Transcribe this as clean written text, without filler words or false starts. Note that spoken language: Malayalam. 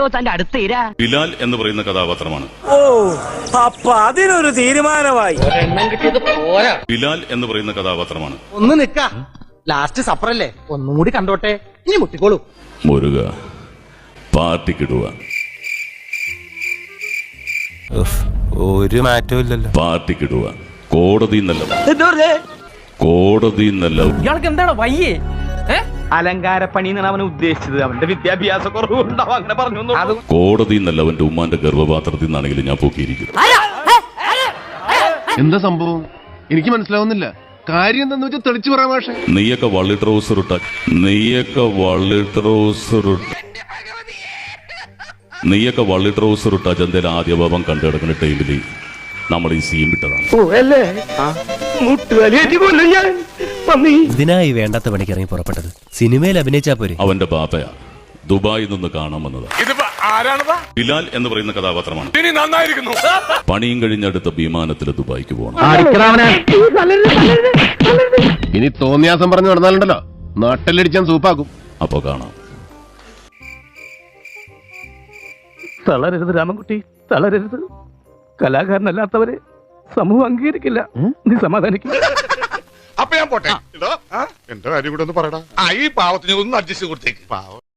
എന്തോ തന്റെ അടുത്ത് ഇരാ. ബിലാൽ എന്ന് പറയുന്ന കഥാപാത്രമാണ്. ഓ, അപ്പൊ അതിനൊരു തീരുമാനമായി. ബിലാൽ എന്ന് പറയുന്ന കഥാപാത്രമാണ്. ഒന്ന് നിക്ക, ലാസ്റ്റ് സപ്പറല്ലേ, ഒന്നും കൂടി കണ്ടോട്ടെ, ഇനി മുട്ടിക്കോളൂ. മുരുക പാർട്ടിക്കിടുക. ഒരു മാറ്റവും ഇല്ലല്ലോ. പാർട്ടിക്കിടുക. കോടതി എന്നല്ല, കോടതി എന്നല്ല. ഇയാൾക്ക് എന്താണ് വയ്യേ? അലങ്കാരപ്പണി എന്നാണ് അവൻ ഉദ്ദേശിച്ചത്. അവന്റെ വിദ്യാഭ്യാസ കുറവുണ്ടാവും, അങ്ങനെ പറഞ്ഞു. കോടതി എന്നല്ല, അവന്റെ ഉമ്മാന്റെ ഗർഭപാത്രത്തിൽ നിന്നാണെങ്കിലും ഞാൻ പൊക്കിയിരിക്കും. എന്താ സംഭവം എനിക്ക് മനസ്സിലാവുന്നില്ല. കാര്യം എന്താന്ന് വെച്ചാൽ തെളിച്ചു പറയാം. പക്ഷേ നീയൊക്കെ വള്ളി ട്രൗസർ ഇട്ട ചന്തയിൽ ആദ്യ ഭാവം കണ്ടു കിടക്കുന്ന ടൈമില് നമ്മൾ ഈ സീൻ വിട്ടതാണ്. ഇതിനായി വേണ്ടാത്ത പണിക്ക് ഇറങ്ങി പുറപ്പെട്ടത്. സിനിമയിൽ അഭിനയിച്ചാ പോരെ. അവന്റെ ബാപ്പയാ ദുബായിൽ നിന്ന് കാണാൻ വന്നതാ. ബിലാൽ എന്ന് പറയുന്ന കഥാപാത്രമാണ്. പണിയും കഴിഞ്ഞടുത്ത വിമാനത്തിൽ ദുബായിക്ക് പോകണം. ഇനി തോന്നിയാസം പറഞ്ഞു നടന്നാലുണ്ടല്ലോ നാട്ടിലടിച്ചാൻ സൂപ്പാക്കും. അപ്പൊ കാണാം. തളരരുത് രാമൻകുട്ടി, തളരരുത്. കലാകാരനല്ലാത്തവരെ സമൂഹം അംഗീകരിക്കില്ല. നീ സമാധാനിക്കും. അപ്പൊ ഞാൻ പോട്ടെ. എന്റെ കാര്യം കൂടെ ഒന്ന് പറയടാ. ഈ പാവത്തിന് ഒന്ന് അഡ്ജസ്റ്റ് കൊടുത്തേക്ക്. പാവം.